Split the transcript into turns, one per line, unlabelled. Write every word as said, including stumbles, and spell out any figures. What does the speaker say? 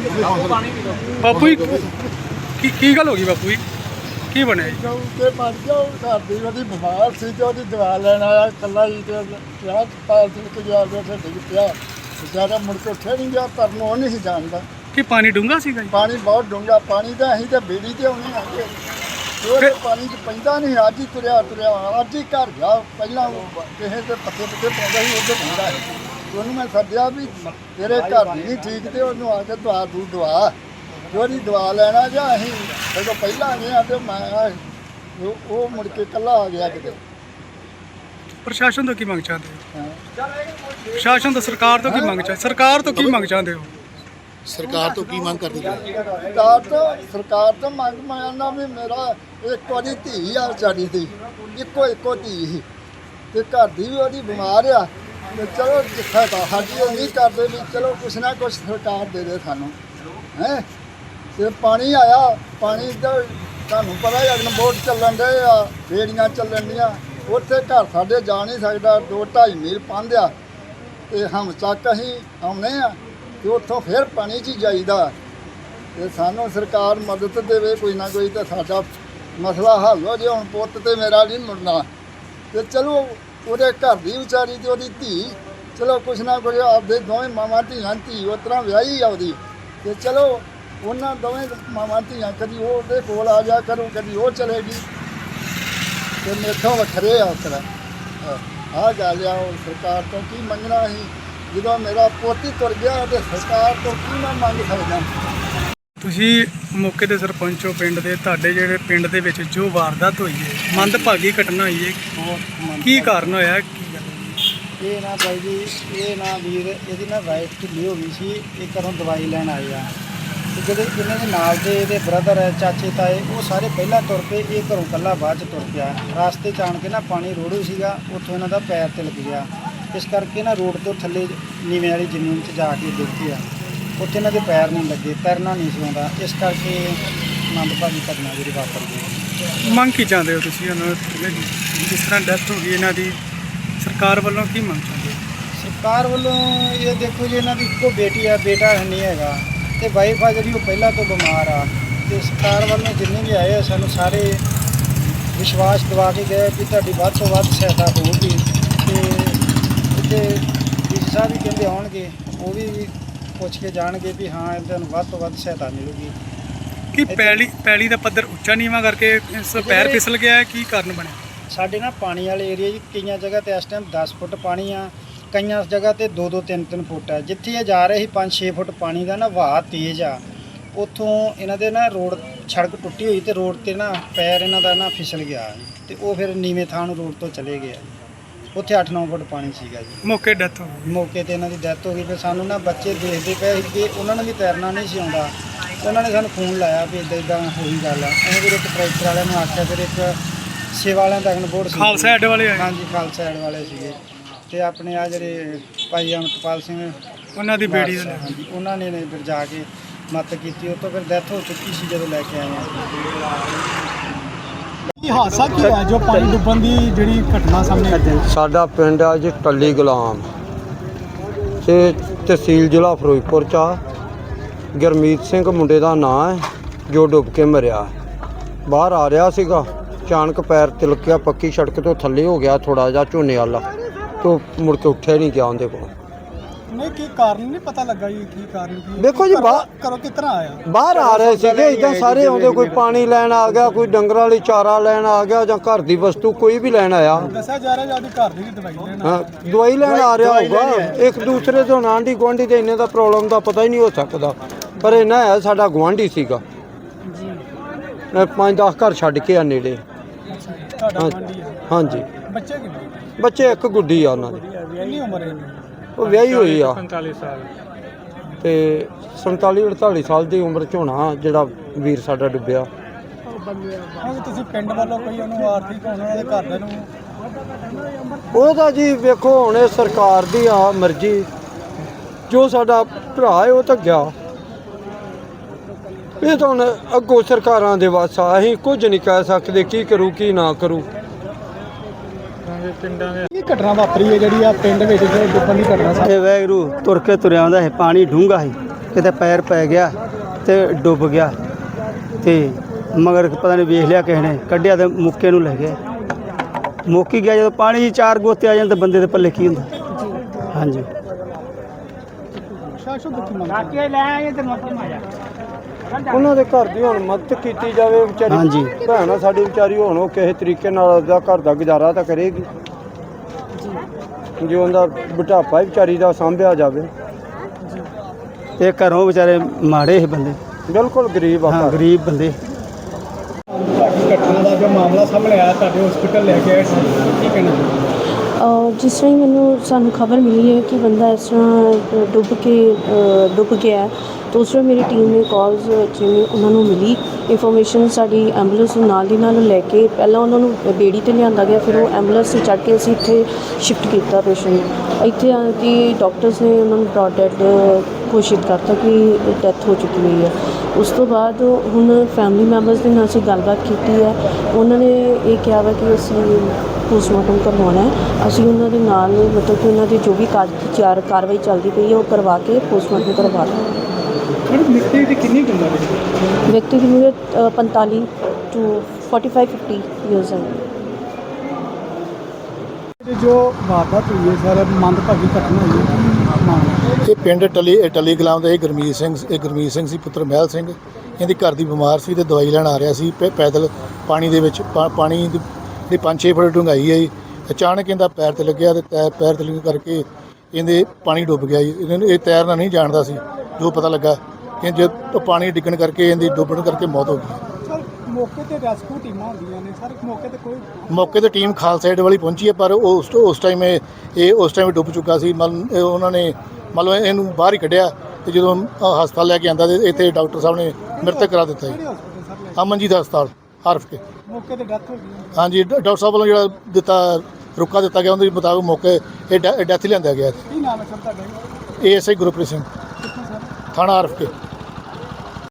ਬਾਪੂ ਜੀ ਕੀ ਕੀ ਗੱਲ ਹੋ ਗਈ ਬਾਪੂ ਜੀ ਕੀ ਬਣਿਆ ਜੀ?
ਤੇ ਮਰ ਗਿਆ ਉਹ ਘਰ ਦੀ ਉਹਦੀ ਬਿਮਾਰ ਸੀ ਤੇ ਉਹਦੀ ਦਵਾ ਲੈਣ ਆਇਆ ਇਕੱਲਾ ਹੀ ਤੇ ਵਿਆਹ ਪਾਲ ਸੀ ਤੇ ਜਾ ਕੇ ਉੱਥੇ ਡਿੱਗ ਪਿਆ ਵਿਚਾਰਾ ਮੁੜ ਕੇ ਉੱਠਿਆ ਨਹੀਂ ਗਿਆ ਪਰ ਨੂੰ ਉਹ ਨਹੀਂ ਸੀ ਜਾਣਦਾ
ਕੀ ਪਾਣੀ ਡੂੰਘਾ ਸੀਗਾ ਜੀ?
ਪਾਣੀ ਬਹੁਤ ਡੂੰਘਾ ਪਾਣੀ ਤਾਂ ਅਸੀਂ ਤਾਂ ਬੇੜੀ ਤੇ ਆਉਣੀ ਆ ਕੇ ਉਹਦੇ ਪਾਣੀ 'ਚ ਪੈਂਦਾ ਨਹੀਂ ਅੱਜ ਹੀ ਤੁਰਿਆ ਤੁਰਿਆ ਅੱਜ ਹੀ ਘਰ ਗਿਆ ਪਹਿਲਾਂ ਉਹ ਕਿਸੇ ਦੇ ਪੱਤੇ ਪੱਤੇ ਪਾਉਂਦਾ ਸੀ ਉਹਦੇ ਪੈਂਦਾ ਸੀ ਉਹਨੂੰ ਮੈਂ ਸੱਦਿਆ ਵੀ ਤੇਰੇ ਘਰ ਨਹੀਂ ਠੀਕ ਤੇ ਉਹਨੂੰ ਆ ਕੇ ਦਵਾ ਦੂ ਦਵਾ ਉਹਦੀ ਦਵਾ ਲੈਣਾ ਜਾਂ ਅਸੀਂ ਜਦੋਂ ਪਹਿਲਾਂ ਗਏ ਆ ਤੇ ਮੈਂ ਉਹ ਉਹ ਮੁੜ ਕੇ ਇਕੱਲਾ ਆ ਗਿਆ ਕਿਤੇ।
ਪ੍ਰਸ਼ਾਸਨ ਤੋਂ ਕੀ ਮੰਗ ਚਾਹੁੰਦੇ ਹੋ?
ਹਾਂ
ਪ੍ਰਸ਼ਾਸਨ ਤੋਂ ਸਰਕਾਰ ਤੋਂ ਕੀ ਮੰਗ ਚਾਹੁੰਦੇ ਸਰਕਾਰ ਤੋਂ ਕੀ ਮੰਗ ਚਾਹੁੰਦੇ ਹੋ?
ਸਰਕਾਰ ਤੋਂ ਕੀ ਮੰਗ ਕਰਦੇ ਹੋ?
ਸਰਕਾਰ ਤੋਂ ਸਰਕਾਰ ਤੋਂ ਮੰਗ ਮੰਗਣਾ ਵੀ ਮੇਰਾ ਇੱਕ ਵਾਰੀ ਧੀ ਆ ਵਿਚਾਰੀ ਦੀ ਇੱਕੋ ਇੱਕੋ ਧੀ ਸੀ ਤੇ ਘਰ ਦੀ ਵੀ ਉਹਦੀ ਬਿਮਾਰ ਆ ਤੇ ਚਲੋ ਜਿੱਥੇ ਤਾਂ ਸਾਡੀ ਉਹ ਨਹੀਂ ਕਰਦੇ ਵੀ ਚਲੋ ਕੁਛ ਨਾ ਕੁਛ ਸਰਕਾਰ ਦੇ ਦੇ ਸਾਨੂੰ ਹੈ ਤੇ ਪਾਣੀ ਆਇਆ ਪਾਣੀ ਦਾ ਤੁਹਾਨੂੰ ਪਤਾ ਹੀ ਅਗਨ ਬੋਟ ਚੱਲਣ ਦੇ ਆ ਬੇੜੀਆਂ ਚੱਲਣ ਦੀਆਂ ਉੱਥੇ ਘਰ ਸਾਡੇ ਜਾ ਨਹੀਂ ਸਕਦਾ ਦੋ ਢਾਈ ਮੀਲ ਪੰਧ ਆ ਤੇ ਹਮ ਚੱਕ ਅਸੀਂ ਆਉਨੇ ਆ ਤੇ ਉੱਥੋਂ ਫਿਰ ਪਾਣੀ 'ਚ ਹੀ ਜਾਈਦਾ ਤੇ ਸਾਨੂੰ ਸਰਕਾਰ ਮਦਦ ਦੇਵੇ ਕੋਈ ਨਾ ਕੋਈ ਤਾਂ ਸਾਡਾ ਮਸਲਾ ਹੱਲ ਹੋ ਜੇ ਹੁਣ ਪੁੱਤ ਤੇ ਮੇਰਾ ਨਹੀਂ ਮੁੜਨਾ ਤੇ ਚਲੋ ਉਹਦੇ ਘਰ ਦੀ ਵਿਚਾਰੀ ਤੇ ਉਹਦੀ ਧੀ ਚਲੋ ਕੁਛ ਨਾ ਕੁਛ ਆਪਦੇ ਦੋਵੇਂ ਮਾਵਾਂ ਧੀਆਂ ਧੀ ਉਸ ਤਰ੍ਹਾਂ ਵਿਆਹੀ ਆ ਉਹਦੀ ਤੇ ਚਲੋ ਉਹਨਾਂ ਦੋਵੇਂ ਮਾਵਾਂ ਧੀਆਂ ਕਦੀ ਉਹ ਉਹਦੇ ਕੋਲ ਆ ਜਾ ਕਰੂ ਕਦੀ ਉਹ ਚਲੇਗੀ ਤੇ ਮੇਥੋਂ ਵੱਖਰੇ ਆ ਉਸ ਤਰ੍ਹਾਂ ਆਹ ਗੱਲ ਆ ਉਹ ਸਰਕਾਰ ਤੋਂ ਕੀ ਮੰਗਣਾ ਸੀ ਜਦੋਂ ਮੇਰਾ ਪੋਤੀ ਤੁਰ ਗਿਆ ਤੇ ਸਰਕਾਰ ਤੋਂ ਕੀ ਮੈਂ ਮੰਗ ਸਕਦਾ।
ਤੁਸੀਂ ਮੌਕੇ ਦੇ ਸਰਪੰਚੋ ਪਿੰਡ ਦੇ ਤੁਹਾਡੇ ਜਿਹੜੇ ਪਿੰਡ ਦੇ ਵਿੱਚ ਜੋ ਵਾਰਦਾਤ ਹੋਈ ਹੈ ਮੰਦਭਾਗੀ ਘਟਨਾ ਹੋਈ ਹੈ ਕੀ ਕਾਰਨ ਹੋਇਆ ਕੀ ਗੱਲ?
ਇਹ ਨਾ ਬਾਈ ਜੀ ਇਹ ਨਾ ਵੀਰ ਇਹਦੀ ਨਾ ਵਾਈਫ ਢਿੱਲੀ ਹੋ ਗਈ ਸੀ ਇਹ ਘਰੋਂ ਦਵਾਈ ਲੈਣ ਆਏ ਆ ਤੇ ਜਿਹੜੇ ਇਹਨਾਂ ਦੇ ਨਾਲ ਦੇ ਇਹਦੇ ਬ੍ਰਦਰ ਹੈ ਚਾਚੇ ਤਾਏ ਉਹ ਸਾਰੇ ਪਹਿਲਾਂ ਤੁਰ ਪਏ ਇਹ ਘਰੋਂ ਇਕੱਲਾ ਬਾਅਦ 'ਚ ਤੁਰ ਪਿਆ ਰਾਸਤੇ 'ਚ ਆਣ ਕੇ ਨਾ ਪਾਣੀ ਰੋੜੂ ਸੀਗਾ ਉੱਥੋਂ ਇਹਨਾਂ ਦਾ ਪੈਰ ਤਿਲਕ ਗਿਆ ਇਸ ਕਰਕੇ ਨਾ ਰੋਡ ਤੋਂ ਥੱਲੇ ਨੀਵੇਂ ਵਾਲੀ ਜ਼ਮੀਨ 'ਚ ਜਾ ਕੇ ਦੇਖਿਆ ਉੱਥੇ ਇਹਨਾਂ ਦੇ ਪੈਰ ਨਹੀਂ ਲੱਗੇ ਤੈਰਨਾ ਨਹੀਂ ਸੀ ਆਉਂਦਾ ਇਸ ਕਰਕੇ ਮੰਦਭਾਗੀ ਘਟਨਾ ਜਿਹੜੀ ਵਾਪਰ ਗਈ।
ਮੰਗ ਕੀ ਚਾਹੁੰਦੇ ਹੋ ਤੁਸੀਂ ਉਹਨਾਂ ਨੂੰ ਜਿਸ ਤਰ੍ਹਾਂ ਡੈਥ ਹੋ ਗਈ ਇਹਨਾਂ ਦੀ ਸਰਕਾਰ ਵੱਲੋਂ ਕੀ ਮੰਗ ਚਾਹੁੰਦੇ ਹੋ?
ਸਰਕਾਰ ਵੱਲੋਂ ਇਹ ਦੇਖੋ ਜੀ ਇਹਨਾਂ ਦੀ ਇੱਕੋ ਬੇਟੀ ਆ ਬੇਟਾ ਨਹੀਂ ਹੈਗਾ ਤੇ ਵਾਈਫ ਆ ਜਿਹੜੀ ਉਹ ਪਹਿਲਾਂ ਤੋਂ ਬਿਮਾਰ ਆ ਤੇ ਸਰਕਾਰ ਵੱਲੋਂ ਜਿੰਨੇ ਵੀ ਆਏ ਆ ਸਾਨੂੰ ਸਾਰੇ ਵਿਸ਼ਵਾਸ ਦਿਵਾ ਕੇ ਗਏ ਕਿ ਤੁਹਾਡੀ ਵੱਧ ਤੋਂ ਵੱਧ ਸਹਾਇਤਾ ਹੋਊਗੀ ਤੇ ਇੱਥੇ ਡੀ ਸੀ ਸਾਹਿਬ ਵੀ ਕਹਿੰਦੇ ਆਉਣਗੇ ਉਹ ਵੀ ਪੁੱਛ ਕੇ ਜਾਣਗੇ ਵੀ ਹਾਂ ਇਹਨਾਂ ਨੂੰ ਵੱਧ ਤੋਂ ਵੱਧ ਸਹਾਇਤਾ ਮਿਲੂਗੀ।
ਕੀ ਪੈਲੀ ਪੈਲੀ ਦਾ ਪੱਧਰ ਉੱਚਾ ਨੀਵਾਂ ਕਰਕੇ ਇਸ ਪੈਰ ਫਿਸਲ ਗਿਆ ਹੈ ਕੀ ਕਾਰਨ ਬਣਿਆ?
ਸਾਡੇ ਨਾ ਪਾਣੀ ਵਾਲੇ ਏਰੀਆ 'ਚ ਕਈਆਂ ਜਗ੍ਹਾ ਤੇ ਇਸ ਟਾਈਮ ਦਸ ਫੁੱਟ ਪਾਣੀ ਆ ਕਈਆਂ ਜਗ੍ਹਾ ਤੇ ਦੋ ਦੋ ਤਿੰਨ ਤਿੰਨ ਫੁੱਟ ਆ ਜਿੱਥੇ ਇਹ ਜਾ ਰਹੇ ਸੀ ਪੰਜ ਛੇ ਫੁੱਟ ਪਾਣੀ ਦਾ ਨਾ ਵਹਾਅ ਤੇਜ਼ ਆ ਉੱਥੋਂ ਇਹਨਾਂ ਦੇ ਨਾ ਰੋਡ ਸੜਕ ਟੁੱਟੀ ਹੋਈ ਤੇ ਰੋਡ ਤੇ ਨਾ ਪੈਰ ਇਹਨਾਂ ਦਾ ਨਾ ਫਿਸਲ ਗਿਆ ਤੇ ਉਹ ਫਿਰ ਨੀਵੇਂ ਥਾਂ ਨੂੰ ਰੋਡ ਤੋਂ ਚਲੇ ਗਿਆ ਉੱਥੇ ਅੱਠ ਨੌ ਫੁੱਟ ਪਾਣੀ ਸੀਗਾ ਜੀ।
ਮੌਕੇ ਡੈਥ ਹੋ ਗਈ।
ਮੌਕੇ ਤੇ ਇਹਨਾਂ ਦੀ ਡੈਥ ਹੋ ਗਈ ਫਿਰ ਸਾਨੂੰ ਨਾ ਬੱਚੇ ਦੇਖਦੇ ਪਏ ਸੀ ਕਿ ਉਹਨਾਂ ਨੂੰ ਵੀ ਤੈਰਨਾ ਨਹੀਂ ਸੀ ਆਉਂਦਾ ਉਹਨਾਂ ਨੇ ਸਾਨੂੰ ਫੋਨ ਲਾਇਆ ਵੀ ਇੱਦਾਂ ਇੱਦਾਂ ਹੋਈ ਗੱਲ ਆ ਅਸੀਂ ਫਿਰ ਇੱਕ ਟਰੈਕਟਰ ਵਾਲਿਆਂ ਨੂੰ ਆਖਿਆ ਫਿਰ ਇੱਕ ਸੇਵਾ ਵਾਲਿਆਂ ਦਾ ਅਗਨ ਬੋਰਡ ਸੀ
ਖਾਲਸਾ ਐਡ ਵਾਲੇ ਆਏ
ਹਾਂਜੀ ਖਾਲਸਾ ਐਡ ਵਾਲੇ ਸੀਗੇ ਤੇ ਆਪਣੇ ਆ ਜਿਹੜੇ ਭਾਈ ਅਮਰਪਾਲ ਸਿੰਘ
ਉਹਨਾਂ ਦੀ ਬੇੜੀ ਦਾ
ਹਾਂਜੀ ਉਹਨਾਂ ਨੇ ਫਿਰ ਜਾ ਕੇ ਮਦਦ ਕੀਤੀ ਉਹ ਤੋਂ ਫਿਰ ਡੈਥ ਹੋ ਚੁੱਕੀ ਸੀ ਜਦੋਂ ਲੈ ਕੇ ਆਏ ਆ।
ਕੀ ਹਾਦਸਾ ਕੀ ਹੈ ਜੋ ਪਾਣੀ ਡੁੱਬਣ ਦੀ ਜਿਹੜੀ ਘਟਨਾ ਸਾਹਮਣੇ ਆਈ?
ਸਾਡਾ ਪਿੰਡ ਆ ਜੀ ਟੱਲੀ ਗੁਲਾਮ ਤੇ ਤਹਿਸੀਲ ਜ਼ਿਲ੍ਹਾ ਫਿਰੋਜ਼ਪੁਰ ਚ ਆ ਗੁਰਮੀਤ ਸਿੰਘ ਮੁੰਡੇ ਦਾ ਨਾਂ ਹੈ ਜੋ ਡੁੱਬ ਕੇ ਮਰਿਆ ਬਾਹਰ ਆ ਰਿਹਾ ਸੀਗਾ ਅਚਾਨਕ ਪੈਰ ਤਿਲਕਿਆ ਪੱਕੀ ਸੜਕ ਤੋਂ ਥੱਲੇ ਹੋ ਗਿਆ ਥੋੜਾ ਜਿਹਾ ਝੋਨੇ ਵਾਲਾ ਤੋਂ ਮੁੜ ਕੇ ਉੱਠਿਆ ਨਹੀਂ ਗਿਆ ਉਹਦੇ ਕੋਲ।
ਨਹੀਂ ਕੀ ਕਾਰਨ ਨਹੀਂ ਪਤਾ ਲੱਗਾ ਜੀ ਕੀ ਕਾਰਨ ਕੀ
ਦੇਖੋ ਜੀ ਬਾਹਰ
ਕਰੋ ਕਿਸ ਤਰ੍ਹਾਂ ਆਇਆ
ਬਾਹਰ ਆ ਰਹੇ ਸੀਗੇ ਇਦਾਂ ਸਾਰੇ ਆਉਂਦੇ ਕੋਈ ਪਾਣੀ ਲੈਣ ਆ ਗਿਆ ਕੋਈ ਡੰਗਰਾਂ ਵਾਲੀ ਚਾਰਾ ਲੈਣ ਆ ਗਿਆ ਜਾਂ ਘਰ ਦੀ ਵਸਤੂ ਕੋਈ ਵੀ ਲੈਣ ਆਇਆ
ਦੱਸਿਆ ਜਾ ਰਿਹਾ ਜੀ ਘਰ ਦੀ ਵੀ ਦਵਾਈ ਲੈਣ
ਹਾਂ ਦਵਾਈ ਲੈਣ ਆ ਰਿਹਾ ਹੋਊਗਾ ਇੱਕ ਦੂਸਰੇ ਤੋਂ ਆਂਢੀ ਗੁਆਂਢੀ ਦੇ ਇੰਨੇ ਦਾ ਪ੍ਰੋਬਲਮ ਦਾ ਪਤਾ ਹੀ ਨਹੀਂ ਹੋ ਸਕਦਾ ਪਰ ਇਹਨਾਂ ਹੈ ਸਾਡਾ ਗੁਆਂਢੀ ਸੀਗਾ ਜੀ ਪੰਜ ਦਸ ਘਰ ਛੱਡ ਕੇ ਆ ਨੇੜੇ। ਹਾਂਜੀ
ਬੱਚੇ ਕਿੰਨੇ?
ਬੱਚੇ ਇੱਕ ਗੁੱਡੀ ਆ ਉਹਨਾਂ ਦੀ
ਕਿੰਨੀ ਉਮਰ ਹੈ?
ਉਹ ਵਿਆਹੀ ਹੋਈ ਆ
ਪੰਤਾਲੀ ਸਾਲ
ਤੇ ਸੰਤਾਲੀ ਅੜਤਾਲੀ ਸਾਲ ਦੀ ਉਮਰ 'ਚ ਹੋਣਾ ਜਿਹੜਾ ਵੀਰ ਸਾਡਾ ਡੁੱਬਿਆ।
ਹੁਣ ਤੁਸੀਂ ਪਿੰਡ ਵੱਲੋਂ ਕੋਈ ਉਹਨੂੰ ਆਰਥਿਕ ਉਹਨਾਂ ਦੇ ਘਰ ਦੇ ਨੂੰ
ਉਹਦਾ ਜੀ ਵੇਖੋ ਹੁਣ ਇਹ ਸਰਕਾਰ ਦੀ ਆ ਮਰਜ਼ੀ ਜੋ ਸਾਡਾ ਭਰਾ ਹੈ ਉਹ ਤਾਂ ਗਿਆ ਇਹ ਤਾਂ ਹੁਣ ਅੱਗੋਂ ਸਰਕਾਰਾਂ ਦੇ ਵੱਸ ਆ ਅਸੀਂ ਕੁਝ ਨਹੀਂ ਕਹਿ ਸਕਦੇ ਕੀ ਕਰੂ ਕੀ ਨਾ ਕਰੂ।
ਪਿੰਡਾਂ ਦੇ ਕੀ ਘਟਨਾ ਵਾਪਰੀ ਹੈ ਜਿਹੜੀ ਆ ਪਿੰਡ ਵਿੱਚ ਡੁੱਬਣ ਦੀ ਘਟਨਾ?
ਇਹ ਵੈਗਰੂ ਤੁਰ ਕੇ ਤੁਰਿਆ ਆਉਂਦਾ ਸੀ ਪਾਣੀ ਡੂੰਘਾ ਸੀ
ਕਿਤੇ ਪੈਰ ਪੈ ਗਿਆ ਤੇ ਡੁੱਬ ਗਿਆ ਤੇ ਮਗਰ ਪਤਾ ਨਹੀਂ ਵੇਖ ਲਿਆ ਕਿਸੇ ਨੇ ਕੱਢਿਆ ਤੇ ਮੁੱਕੇ ਨੂੰ ਲੈ ਗਿਆ ਮੁੱਕ ਹੀ ਗਿਆ। ਜਦੋਂ ਪਾਣੀ 'ਚ ਚਾਰ ਗੋਤੇ ਆ ਜਾਣ ਤਾਂ ਬੰਦੇ ਦੇ ਪੱਲੇ ਕੀ ਹੁੰਦਾ। ਹਾਂਜੀ
ਉਹਨਾਂ ਦੇ ਘਰ ਦੀ ਹੁਣ ਮਦਦ ਕੀਤੀ ਜਾਵੇ ਵਿਚਾਰੀ।
ਹਾਂਜੀ।
ਭੈਣ ਆ ਸਾਡੀ ਵਿਚਾਰੀ, ਹੁਣ ਉਹ ਕਿਸੇ ਤਰੀਕੇ ਨਾਲ ਉਹਦਾ ਘਰ ਦਾ ਗੁਜ਼ਾਰਾ ਤਾਂ ਕਰੇਗੀ ਜੇ ਉਹਦਾ ਬੁਢਾਪਾ ਹੀ ਵਿਚਾਰੀ ਦਾ ਸਾਂਭਿਆ ਜਾਵੇ।
ਇਹ ਘਰੋਂ ਵਿਚਾਰੇ ਮਾੜੇ ਸੀ ਬੰਦੇ,
ਬਿਲਕੁਲ ਗਰੀਬ ਆ
ਹਾਂ
ਘਰ।
ਗਰੀਬ ਬੰਦੇ।
ਘਟਨਾ ਦਾ ਜੋ ਮਾਮਲਾ ਸਾਹਮਣੇ ਆਇਆ ਤੁਹਾਡੇ ਹਸਪੀਟਲ ਲੈ ਕੇ ਆਏ ਸੀ, ਕੀ ਕਹਿਣਾ?
ਅ, ਜਿਸ ਤਰ੍ਹਾਂ ਹੀ ਮੈਨੂੰ ਸਾਨੂੰ ਖਬਰ ਮਿਲੀ ਹੈ ਕਿ ਬੰਦਾ ਇਸ ਤਰ੍ਹਾਂ ਡੁੱਬ ਕੇ ਅ, ਡੁੱਬ ਗਿਆ ਹੈ, ਤਾਂ ਉਸ ਵੇਲੇ ਮੇਰੀ ਟੀਮ ਨੇ ਕਾਲਸ ਜਿਵੇਂ ਉਹਨਾਂ ਨੂੰ ਮਿਲੀ ਇਨਫੋਰਮੇਸ਼ਨ, ਸਾਡੀ ਐਂਬੂਲੈਂਸ ਨੂੰ ਨਾਲ ਦੀ ਨਾਲ ਲੈ ਕੇ ਪਹਿਲਾਂ ਉਹਨਾਂ ਨੂੰ ਬੇੜੀ 'ਤੇ ਲਿਆਂਦਾ ਗਿਆ, ਫਿਰ ਉਹ ਐਂਬੂਲੈਂਸ 'ਤੇ ਚੜ੍ਹ ਕੇ ਅਸੀਂ ਇੱਥੇ ਸ਼ਿਫਟ ਕੀਤਾ ਪੇਸ਼ੈਂਟ। ਇੱਥੇ ਆ ਕੇ ਡਾਕਟਰਸ ਨੇ ਉਹਨਾਂ ਨੂੰ ਬ੍ਰੌਡ ਡੈਡ ਘੋਸ਼ਿਤ ਕਰਤਾ ਕਿ ਡੈਥ ਹੋ ਚੁੱਕੀ ਹੋਈ ਹੈ। ਉਸ ਤੋਂ ਬਾਅਦ ਹੁਣ ਫੈਮਿਲੀ ਮੈਂਬਰਸ ਦੇ ਨਾਲ ਅਸੀਂ ਗੱਲਬਾਤ ਕੀਤੀ ਹੈ, ਉਹਨਾਂ ਨੇ ਇਹ ਕਿਹਾ ਵਾ ਕਿ ਅਸੀਂ ਪੋਸਟਮਾਰਟਮ ਕਰਵਾਉਣਾ ਹੈ। ਅਸੀਂ ਉਹਨਾਂ ਦੇ ਨਾਲ ਮਤਲਬ ਕਿ ਉਹਨਾਂ ਦੀ ਜੋ ਵੀ ਕਾਰ ਚਾਰ ਕਾਰਵਾਈ ਚੱਲਦੀ ਪਈ ਹੈ ਉਹ ਕਰਵਾ ਕੇ ਪੋਸਟਮਾਰਟਮ ਕਰਵਾ ਦਿਓ।
ਮੈਡਮ ਵਿਅਕਤੀ ਦੀ ਕਿੰਨੀ ਕੁ ਉਮਰ ਹੈ?
ਵਿਅਕਤੀ ਦੀ ਉਮਰ ਪੰਤਾਲੀ to forty five fifty years ਹੈ।
ਜੋ ਵਾਰਦਾਤ ਹੋਈ ਹੈ ਸਰ, ਮੰਦਭਾਗੀ ਘਟਨਾ ਹੋਈ ਹੈ, ਕੀ ਮਾਮਲਾ?
ਇਹ ਪਿੰਡ ਟਲੀ ਟਲੀ ਗੁਲਾਮ ਦਾ ਇਹ ਗੁਰਮੀਤ ਸਿੰਘ ਇਹ ਗੁਰਮੀਤ ਸਿੰਘ ਸੀ ਪੁੱਤਰ ਮਹਿਲ ਸਿੰਘ। ਇਹਦੀ ਘਰ ਦੀ ਬਿਮਾਰ ਸੀ ਤੇ ਦਵਾਈ ਲੈਣ ਆ ਰਿਹਾ ਸੀ ਪੈ- ਪੈਦਲ ਪਾਣੀ ਦੇ ਵਿੱਚ ਪਾ- ਪਾਣੀ ਦੀ ਜਿਹੜੀ ਪੰਜ ਛੇ ਫੁੱਟ ਡੂੰਘਾਈ ਹੈ ਜੀ। ਅਚਾਨਕ ਇਹਦਾ ਪੈਰ ਤੇ ਲੱਗਿਆ ਤੇ ਤੈ- ਪੈਰ ਤੇ ਲੱਗਣ ਕਰਕੇ ਇਹਦੇ ਪਾਣੀ ਡੁੱਬ ਗਿਆ ਜੀ। ਇਹਨੂੰ ਇਹ ਤੈਰਨਾ ਨਹੀਂ ਜਾਣਦਾ ਸੀ। ਜੋ ਪਤਾ ਲੱਗਾ ਕਿ ਜੇ ਪਾਣੀ ਡਿੱਗਣ ਕਰਕੇ ਇਹਦੀ ਡੁੱਬਣ ਕਰਕੇ ਮੌਤ ਹੋ ਗਈ।
ਸਰ ਮੌਕੇ ਤੇ ਰੈਸਕਿਊ ਟੀਮਾਂ ਹੁੰਦੀਆਂ ਨੇ ਸਰ, ਮੌਕੇ ਤੇ ਕੋਈ
ਮੌਕੇ ਤੇ ਟੀਮ ਖਾਲਸਾ ਏਡ ਵਾਲੀ ਪਹੁੰਚੀ ਹੈ, ਪਰ ਉਸ ਉਸ ਟਾਈਮ ਇਹ ਇਹ ਉਸ ਟਾਈਮ ਡੁੱਬ ਚੁੱਕਾ ਸੀ। ਮਤਲਬ ਇਹ ਉਹਨਾਂ ਨੇ ਮਤਲਬ ਇਹਨੂੰ ਬਾਹਰ ਹੀ ਕੱਢਿਆ ਤੇ ਜਦੋਂ ਅ, ਹਸਪਤਾਲ ਲੈ ਕੇ ਆਂਦਾ ਤੇ ਇੱਥੇ ਡਾਕਟਰ ਸਾਹਿਬ ਨੇ ਮ੍ਰਿਤਕ ਕਰਾ ਦਿੱਤਾ ਜੀ।
ਕਿਹੜੇ ਹਸਪਤਾਲ ਸਰ ਲੈ
ਅਮਨਜੀਤ ਹਸਪਤਾਲ ਹਰਫ ਕੇ।
ਮੌਕੇ ਤੇ ਡੈਥ ਹੋ ਗਈ?
ਹਾਂਜੀ ਡਾ- ਡਾਕਟਰ ਸਾਹਿਬ ਵੱਲੋਂ ਜਿਹੜਾ ਦਿੱਤਾ ਰੁਕਾ ਦਿੱਤਾ ਗਿਆ ਉਹਦੇ ਮੁਤਾਬਕ ਮੌਕੇ ਇਹ ਡੈ- ਡੈਥ ਲਿਆਂਦਾ ਗਿਆ।
ਕੀ ਨਾਮ ਹੈ ਸਰ ਤੁਹਾਡਾ?
A S I Gurpreet Singh,
ਕਿੱਥੋਂ ਸਰ?
ਥਾਣਾ ਹਰਫ ਕੇ।